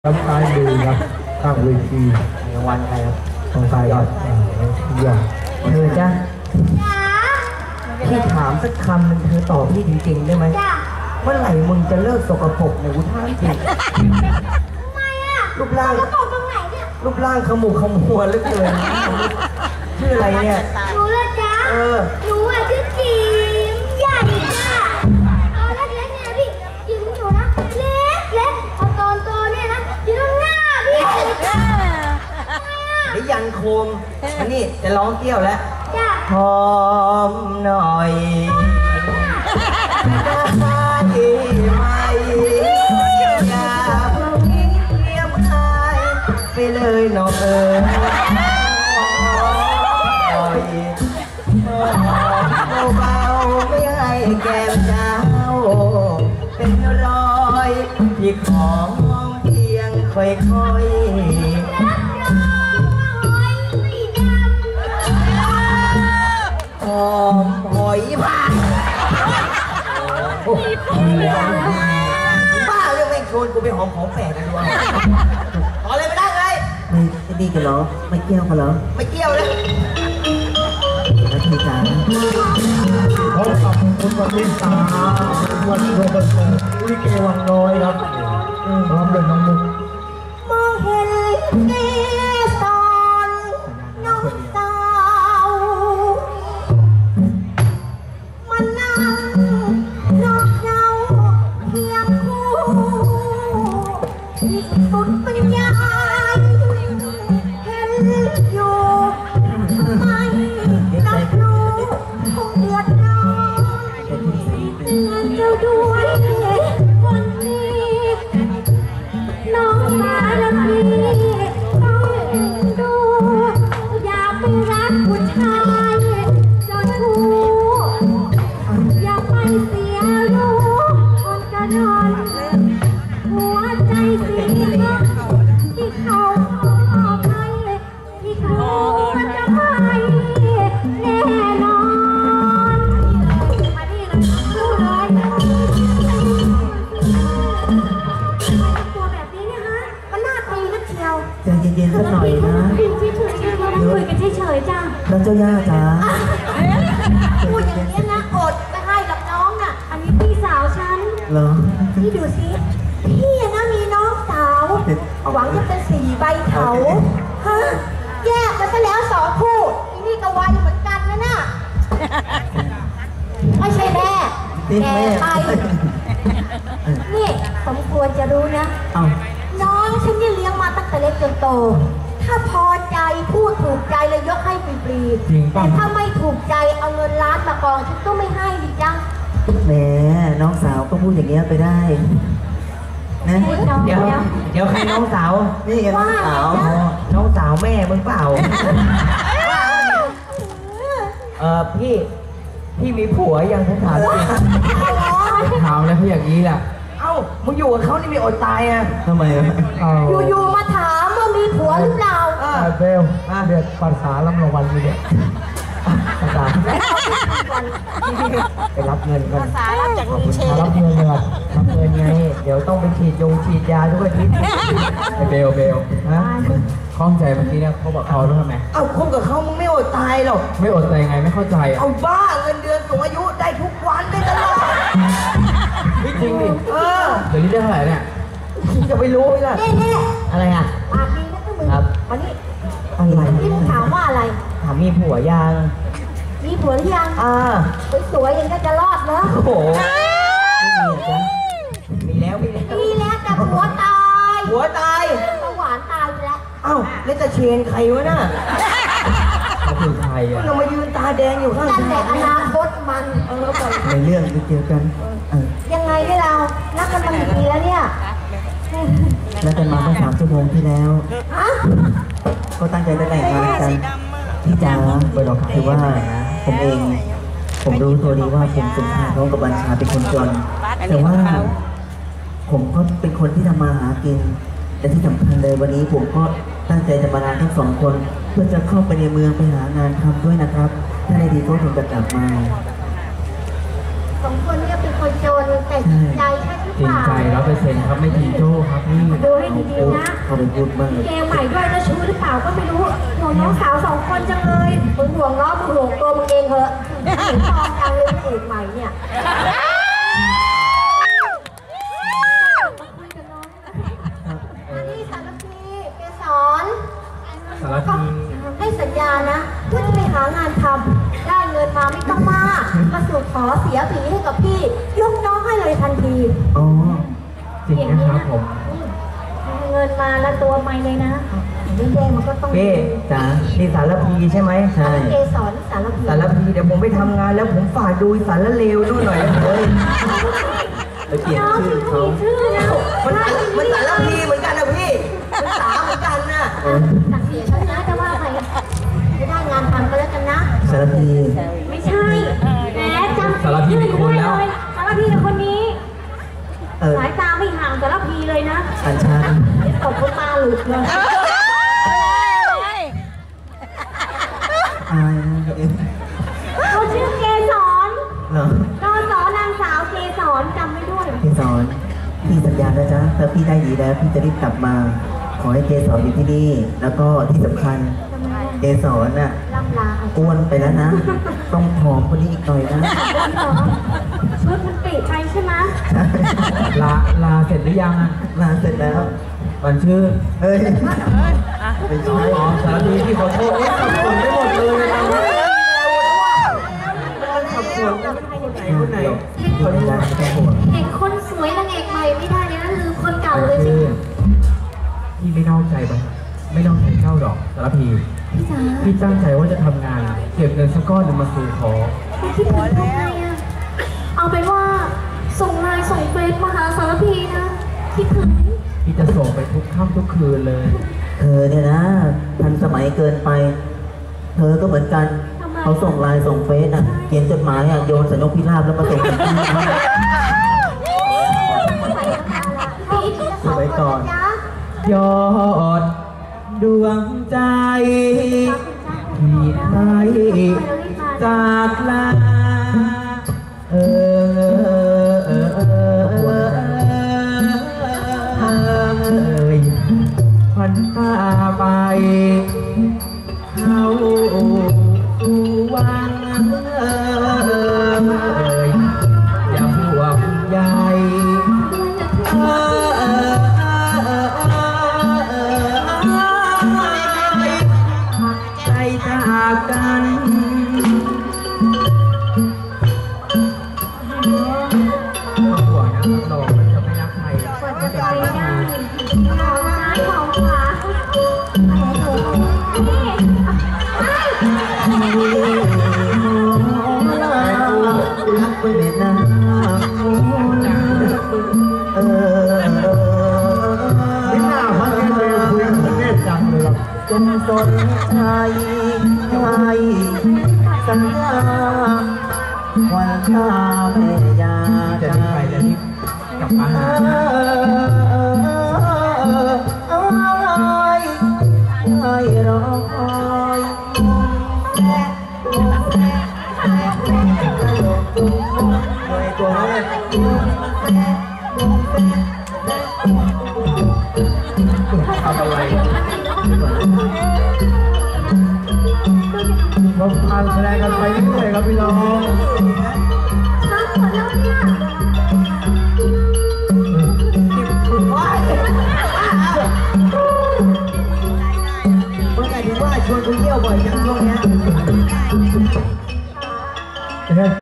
รับซ้ายมือครับข้างเวทีในวันใครครับของใครครับยอดเธอจ้ะพี่ถามสักคำหนึ่งเธอตอบพี่จริงๆได้ไหมเมื่อไหร่มึงจะเลิกสกปรกเนี่ยกูถามจริงทำไมอ่ะรูปร่างสกปรกตรงไหนเนี่ยรูปร่างขมุกขมัวเหลือเกินชื่ออะไรเนี่ยหนูละจ๊ะหนูอ่ะชื่อจิ๋มใหญ่จ้ะตอนเล็กๆเนี่ยพี่จิ๋มอยู่นะเล็กพอตอนโตเนี่ยนะจิ๋มหน้าพี่ไอ้ยันโคมอันนี้จะร้องเกี้ยวแล้วจ้ะหอมหน่อยได้ไหมอย่าเพิ่งเงียบหายไปเลยน้องเบาๆไม่ให้แก้มเจ้าเป็นรอยที่ของเพียงค่อยหอมหอยผ่านบ้าเรื่องแม่งชวนกูไปหอมของแปลกกันด้วยขอเลยไม่ได้ไงไม่ดีกันเหรอไม่เกี่ยวกันเหรอไม่เกี่ยวเลยแล้วทีจ๋าพบกับคุณวันนิสาวันโรเบิร์ตลิเกวังน้อยครับพร้อมด้วยน้องมุกมองเห็นเกสรน้องสาวมันนั่งนอกเย้าเพียงคู่ที่สุดปัญญาเห็นอยู่ไม่รับรู้คงเดือดร้อนเตือนเจ้าด้วยวันนี้น้องมาแล้วพี่ต้องดูอย่าไปรักผู้ชายเจ้าชู้อย่าไปเสียรู้คนกระดอนหัวใจเสียที่เขาให้ที่เขาจะให้แน่นอนมาดิเลยรู้เลยตัวแบบนี้เนี่ยฮะมันน่าตีนักเชียวใจเย็นๆสักหน่อยนะคุยกันเฉยๆจ้าแล้วเจ้าย่าจ๋าพูดอย่างนี้นะอดไม่ให้กับน้องน่ะอันนี้พี่สาวฉันเหรอนี่ดูสิพี่นะมีน้องสาวหวังจะเป็นสี่ใบเถาฮะแยกกันซะแล้วสองคู่นี่ก็วัยเหมือนกันนะน่ะไม่ใช่แม่แกไปนี่สมควรจะรู้นะน้องฉันเนี่ยเลี้ยงมาตั้งแต่เล็กจนโตถ้าพอใจพูดถูกใจเลยยกให้ฟรีๆแต่ถ้าไม่ถูกใจเอาเงินล้านมากองฉันก็ไม่ให้ดิจ้ะแหมน้องสาวก็พูดอย่างเงี้ยไปได้นะเดี๋ยวใครน้องสาวนี่น้องสาวแม่มึงเปล่าพี่มีผัวยังผมถามจริงถามแล้วพี่อย่างนี้แหละเอ้ามึงอยู่กับเขานี่มีอดตายอ่ะทำไมอยู่ๆมาถามว่ามีผัวหรือเปล่าเบลเดือดภาษารับรางวัลนี่เนี่ยภาษาไปรับเงินกันภาษารับจากลุงเชนรับเงินเลยรับเงินไงเดี๋ยวต้องไปฉีดยาทุกอาทิตย์เบลนะข้องใจเมื่อกี้เนี่ยเขาบอกเขาต้องทำไงเอ้าคบกับเขามึงไม่อดตายหรอกไม่อดตายไงไม่เข้าใจเอาบ้าเงินเดือนสูงอายุได้ทุกวันได้ตลอดไม่จริงดิเดี๋ยวนี้ได้เท่าไหร่เนี่ยจะไปรู้ไหมล่ะอะไรอ่ะปากดีนะทุกมึงวันนี้อะไรที่มึงถามว่าอะไรถามมีผัวยังมีผัวหรือยังสวยๆยังจะรอดเหรอโอ้โหมีแล้วแต่ผัวตายสวรรค์ตายไปแล้วเอ้าแล้วจะเชนใครวะน่ะเขาคือใครอ่ะเรามายืนตาแดงอยู่ข้างนั่นแหละอนาคตมันในเรื่องที่เกี่ยวกันยังไงได้เรานักกันมากี่ปีแล้วเนี่ยแล้วกันมาเมื่อ3 ชั่วโมงที่แล้วก็ตั้งใจจะแต่งงานกันพี่จ๋าคือว่าผมรู้ตัวดีว่าผมสุนทรน้องกับบัญชาเป็นคนจนแต่ว่าผมก็เป็นคนที่ทำมาหากินแต่ที่สำคัญเลยวันนี้ผมก็ตั้งใจจะมาลาทั้ง2 คนเพื่อจะเข้าไปในเมืองไปหางานทำด้วยนะครับถ้าได้ดีก็ผมจะกลับมา 2 คนเนี่ยเป็นคนจนแต่จริงใจใช่หรือจริเปงล่าใจ100%ครับไม่จริงโจ้ครับพี่ดูให้ดีๆนะเขาไปพูดบ้างเกมใหม่ด้วยนะชู้หรือเปล่าก็ไม่รู้ห่วงน้องสาว2 คนจังเลยมึงห่วงน้องมึงห่วงตัวมึงเองเหอะเห็นฟองจังเลยพระเอกใหม่เนี่ยอันนี้สารพีเกสรสารพีให้สัญญานะว่าจะไปหางานทำได้เงินมาไม่ต้องมากมาสู่ขอเสียผีให้กับพี่ยกน้องให้เลยทันทีอ๋อจริงนะครับผมเงินมาแล้วตัวไม่เลยนะแย่ๆมันก็ต้องเป้จ๋านี่สารพีใช่ไหมใช่เกสรสารพีสารพีเดี๋ยวผมไปทำงานแล้วผมฝากดูสารเลวด้วยหน่อยนะเลยไปเปลี่ยนน้องชื่อที่เขามีชื่อนะมันสารพีเหมือนกันนะพี่มันสาเหมือนกันนะตัดเสียฉันนะจะว่าใครจะได้งานทำก็แล้วกันนะสารพีไม่ใช่แหมจำสารพีกับคนนี้ สายตาไม่ห่างสารพีเลยนะอัญชันตบตาหลุดเลยอายนะเอ็มเขาชื่อเกสรเหรอนนางสาวเกสรจำไม่ด้วยพี่สอนพี่สัญญานะจ๊ะถ้าพี่ได้ดีแล้วพี่จะรีบกลับมา ขอให้เกสรอยู่ที่นี่ แล้วก็ที่สำคัญทำไมเกสรน่ะล่ำลาอ้วนไปแล้วนะ ต้องผอมคนนี้อีกหน่อยนะชุดมันปิดไปใช่ไหมลาเสร็จหรือยังอ่ะมาเสร็จแล้วมันชื่อเฮ้ยไม่ใช่อ๋อสารพีที่ขอโทษสับสนไปหมดเลยนะมันสับสนคนไหนคนใจไม่ต้องห่วงเห็นคนสวยนางเอกใหม่ไม่ได้เลยนะลืมคนเก่าเลยใช่ชื่อไหมพี่ไม่นอกใจปะไม่นอกใจเจ้าดอกสารพีพี่จ๋าพี่ตั้งใจว่าจะทำงาน เก็บเงินสักก้อนหนึ่งมาสู่ขอพี่คิดถึงทำไงอะเอาเป็นว่าส่งไลน์ส่งเฟซมาหาสารพีนะคิดถึงพี่จะส่งไปทุกค่ำทุกคืนเลยเธอเนี่ยนะทันสมัยเกินไป เธอก็เหมือนกัน เขาส่งไลน์ส่งเฟซอ่ะ เขียนจดหมายอ่ะโยนใส่นกพิราบแล้วมาส่งถึงที่นะไว้ก่อนยอดดวงใจที่ไทยจากลาพันตาไปเข้าวังอย่าห่วงใยใจจากกันห่วงนะเราจะไม่รักใครกว่าจะไปได้ของร้านของขวารักไปเม็ดน้ำไม่น่าพักกันเลยคุยกับเทพจังเลยจงสนใจให้สัญญาวันข้าแม่ยาจะจาได้ไปจะรีบกลับมาหาให้รอคอยตัวเขาเลยทำอะไรเราทานแสดงกันไปเรื่อยๆครับพี่น้องเมื่อไหร่ถึงว่าชวนกูเที่ยวบ่อยจังช่วงเนี้ย